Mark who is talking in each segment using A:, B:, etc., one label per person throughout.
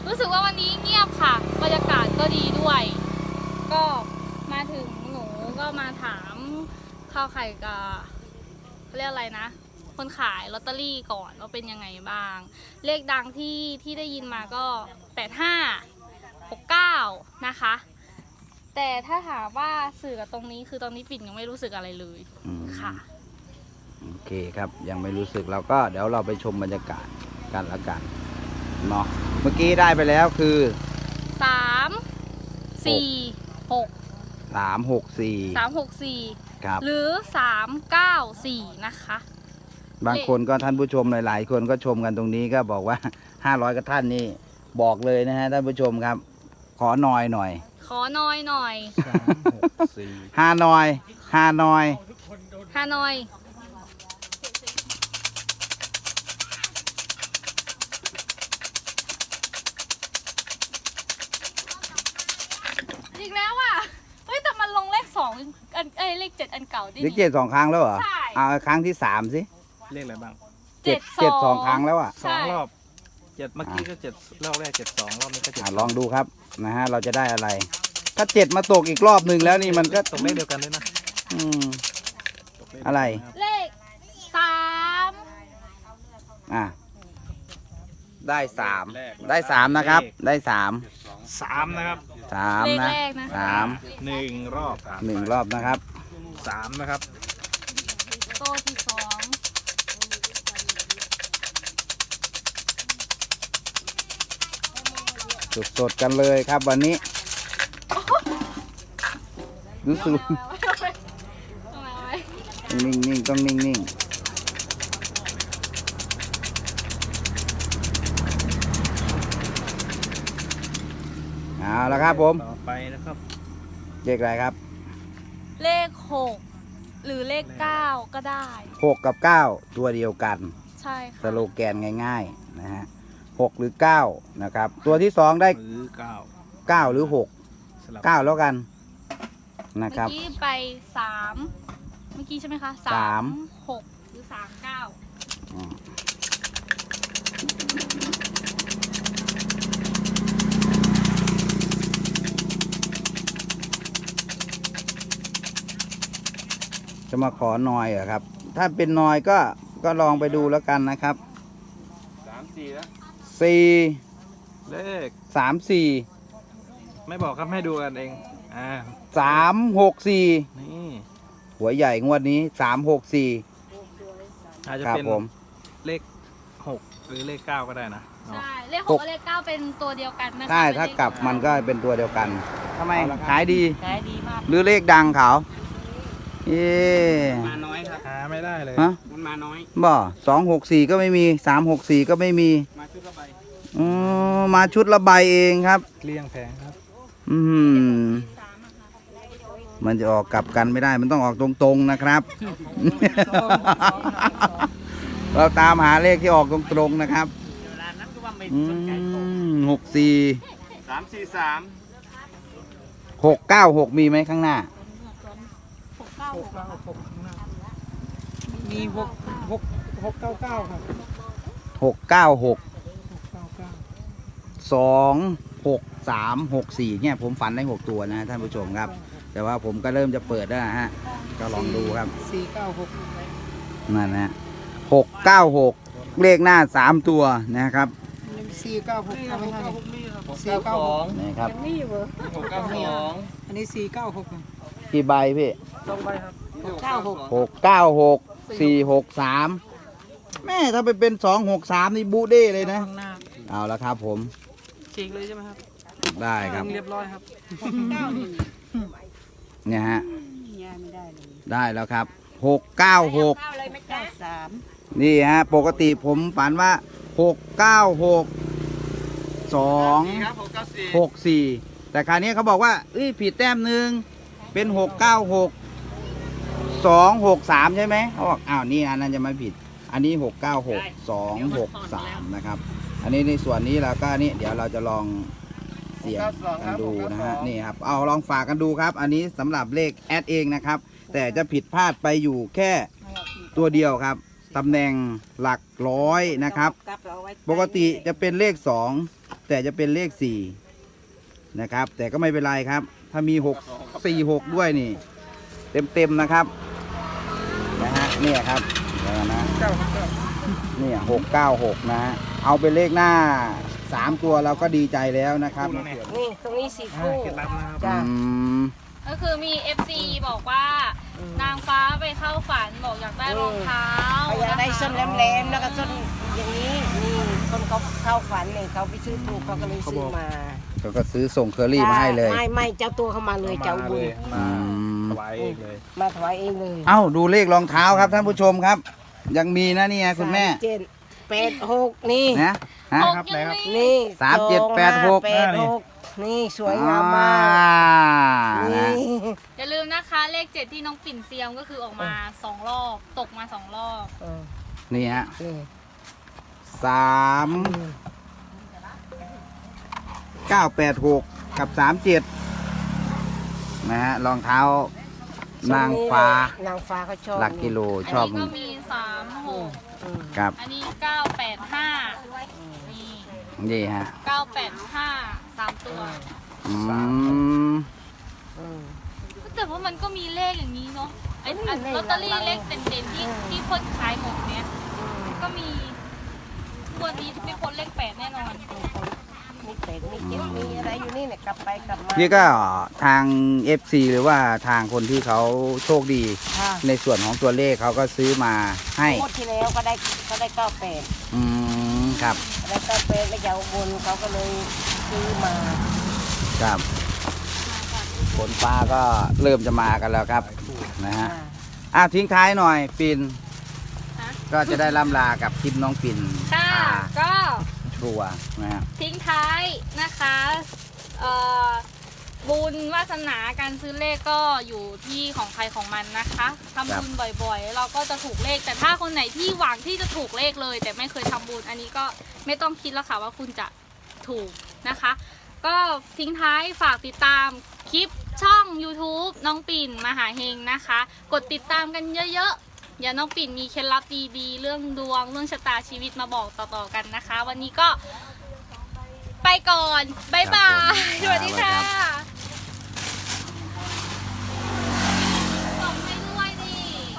A: รู้สึกว่าวันนี้เงียบค่ะบรรยากาศก็ดีด้วย ก็มาถึงหนูก็มาถามข้าวไข่กับเขาเรียกอะไรนะ คนขายลอตเตอรี่ก่อนว่าเป็นยังไงบ้าง เลขดังที่ได้ยินมาก็8569นะคะแต่ถ้าถามว่าสื่อกับตรงนี้คือตอนนี้ปิ่นยังไม่รู้สึกอะไรเลยค่ะ
B: โอเคครับยังไม่รู้สึกเราก็เดี๋ยวเราไปชมบรรยากาศกันละกันเนาะเมื่อกี้ได้ไปแล้วคือ
A: 364
B: ครับ
A: หรือ394นะคะ
B: บางคนก็ท่านผู้ชมหลายๆคนก็ชมกันตรงนี้ก็บอกว่า500กับท่านนี่บอกเลยนะฮะท่านผู้ชมครับขอหน่อย
A: ขอน้อยหน่อย
B: ฮานอย
A: ฮานอยอีกแล้วอ่ะเฮ้ยแต่มันลงเลข2อันเลข7อันเก่าดิ
B: เลข7 2 ครั้งแล้วเหรอ
A: ใช่
B: เอาครั้งที่3สิ
C: เลขอะไรบ้าง
B: 7 2 ครั้งแล้วอ่ะ
C: 2 รอบ7เมื่อกี้ก็7รอบแรก72รอบนี้ก็7
B: ลองดูครับนะฮะเราจะได้อะไร ถ้า7มาตกอีกรอบหนึ่งแล้วนี่มันก็
C: ตกเลขเดียวกันด้วยนะ
B: อะไร
A: เลข3
B: ได้3นะครับได้
C: 3นะครับ
A: เลข
B: นะ
A: แรกนะ
C: 1 รอบ
B: 1 รอบนะครับ
C: 3นะครับ
A: โต้ที่2
B: สดๆกันเลยครับวันนี้รู้สึกนิ่งๆต้องนิ่งๆเอาละครับผม
C: ต่อไปนะครับ
B: เลขอะไรครับ
A: เลข6หรือเลข9ก็ได้
B: 6กับ9ตัวเดียวกัน
A: ใช่ค่ะ
B: สโลแกนง่ายๆนะฮะ6หรือ9นะครับตัวที่2ได้
C: หรือ
B: 9หรือ6 9แล้วกันนะครับ
A: เมื่อกี้ไป3เมื่อกี้ใช่ไหมคะ36หรือ39
B: จะมาขอนอยเหรอครับถ้าเป็นนอยก็ลองไปดูแล้วกันนะครับ
C: 3 4แล้ว
B: 4
C: เลข
B: 3 4
C: ไม่บอกครับให้ดูกันเอง
B: 3 6 4
C: นี่
B: หัวใหญ่งวดนี้3 6 4
C: อาจจะเป็นเลข6หรือเลข9ก็ได้นะ
A: ใช่เลข6กับเลข9เป็นตัวเดียวกันนะคะ
B: ใช่ถ้ากลับมันก็เป็นตัวเดียวกันทำไมขายดี
A: มาก
B: หรือเลขดังเขา
C: มาน้อยครับหาไม่ได้เลยมันมาน้อย
B: บ่264ก็ไม่มี364ก็ไม่มี
C: มาชุดละใบ
B: มาชุดละใบเองครับ
C: เกลี้ยงแผงครับ
B: มันจะออกกลับกันไม่ได้มันต้องออกตรงๆนะครับเราตามหาเลขที่ออกตรงๆนะครับ696มีไหมข้างหน้า
C: มี699ครับ
B: 696 26364เนี่ยผมฝันได้6ตัวนะท่านผู้ชมครับแต่ว่าผมก็เริ่มจะเปิดแล้วนะฮะก็ลองดูครับ496นั่นนะ696เลขหน้า3ตัวนะครับ
D: 496ไม่ให้492
B: นี่ครับ
D: 692อันนี้496
B: กี่ใบพี่
C: 2 ใบครับ
B: 696 463แม่ถ้าไปเป็น263นี่บูเด้เลยนะเอาละครับผม
C: ฉีกเลยใช่ไหมครับ
B: ได้ครับ
C: เรียบร้อยครับ
B: เนี่ยฮะได้แล้วครับ696นี่ฮะปกติผมฝันว่า696 264แต่คราวนี้เขาบอกว่าผิดแต้มหนึ่งเป็น696 263ใช่ไหมเขาบอกอ้าวนี่อันนั้นจะไม่ผิดอันนี้696 263นะครับอันนี้ในส่วนนี้แล้วก็นี่เดี๋ยวเราจะลองเสี่ยงกันดูนะฮะนี่ครับเอาลองฝากกันดูครับอันนี้สำหรับเลขแอดเองนะครับแต่จะผิดพลาดไปอยู่แค่ตัวเดียวครับตำแหน่งหลักร้อยนะครับปกติจะเป็นเลข2 แต่จะเป็นเลข4นะครับแต่ก็ไม่เป็นไรครับ ถ้ามี646ด้วยนี่เต็มนะครับนะฮะเนี่ยครับเดี๋ยวนะเนี่ย696นะฮะเอาเป็นเลขหน้า3ตัวเราก็ดีใจแล้วนะครับ
D: นี่ตรงนี้4คู่
C: เคล็ดลับนะครับ
D: จ้ะ
A: ก็คือมี FC บอกว่านางฟ้าไปเข้าฝันบอกอยากได้รองเท้า
D: เขาอยากได้ส้นแหลมๆแล้วก็ส้นอย่างนี้นี่คนเขาเข้าฝันเนี่ยเขาไปซื้อถูกเขาก็เลยซื้อมา
B: เขาก็ซื้อส่งเคอรี่มาให้เลย
D: ไม่เจ้าตัวเข้ามาเลยเจ้าบุญ
C: มาถวายเองเลย
D: มาถวายเองเลย
B: เอ้าดูเลขรองเท้าครับท่านผู้ชมครับ ยังมีนะนี่ไงคุณแม่
D: 786นี่
B: นะฮะ
A: หกยังมี
D: นี่
B: 3786
D: นี่สวยงามมาก
B: นะ
D: นี่
A: อย่าลืมนะคะเลข 7 ที่น้องปิ่นเซียมก็คือออกมา2 รอบตกมา2 รอบ
B: นี่ฮะ
D: นี่
B: 3986 กับ 37นะฮะรองเท้านางฟ้าน
D: างฟ้าเขาชอบ
B: หลักกิโล
A: อัน
B: ชอบ
A: นี้ก็มี36
B: ครับ
A: อันนี้985นี่
B: นี่ฮะ
A: 985 3 ตัว
B: อืม
A: แต่ว่ามันก็มีเลขอย่างนี้เนาะไอ้อันลอตเตอรี่เลขเด่นๆที่คนขายหมดเนี้ยก็มีวันนี้ไม่พ้นเลข8แน่นอน
D: มีเป็ดมีเจ็ดมีอะไรอยู่นี่เนี่ยกลับไปกลับมา
B: นี่ก็ทาง FC หรือว่าทางคนที่เขาโชคดี
D: ค่ะ
B: ในส่วนของตัวเลขเขาก็ซื้อมาให้
D: งวดที่แล้วก็ได้98
B: อืมครับ
D: ได้98แล้วจะเอาบนเขาก็เลยซื้อมา
B: ครับฝนฟ้าก็เริ่มจะมากันแล้วครับนะฮะทิ้งท้ายหน่อยปิ่น
A: ฮะ
B: ก็จะได้ล่ำลากับคลิปน้องปิ่น
A: ค่ะก็
B: ครัวนะฮะ
A: ทิ้งท้ายนะคะบุญวาสนาการซื้อเลขก็อยู่ที่ของใครของมันนะคะทำบุญบ่อยๆ เราก็จะถูกเลข แต่ถ้าคนไหนที่หวังที่จะถูกเลขเลย แต่ไม่เคยทำบุญอันนี้ก็ไม่ต้องคิดแล้วค่ะว่าคุณจะถูกนะคะ ก็ทิ้งท้ายฝากติดตามคลิปช่อง YouTube น้องปิ่นมหาเฮงนะคะ กดติดตามกันเยอะๆอย่าน้องปิ่นมีเคล็ดลับดีๆเรื่องดวงเรื่องชะตาชีวิตมาบอกต่อๆกันนะคะ วันนี้ก็ไปก่อนบ๊ายบายสวัสดีค่ะส่งให้ด้วยดิ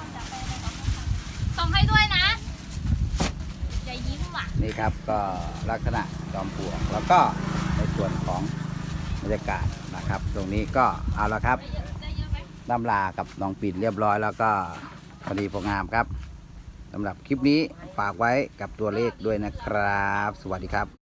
A: ส่งให้ด้วยนะอย่ายิ้มว่ะ
B: นี่ครับก็ลักษณะจอมปลวกแล้วก็ในส่วนของบรรยากาศนะครับ ตรงนี้ก็เอาละครับล่ำลากับน้องปิ่นเรียบร้อยแล้วก็พอดีพองามครับสำหรับคลิปนี้ฝากไว้กับตัวเลขด้วยนะครับ สวัสดีครับ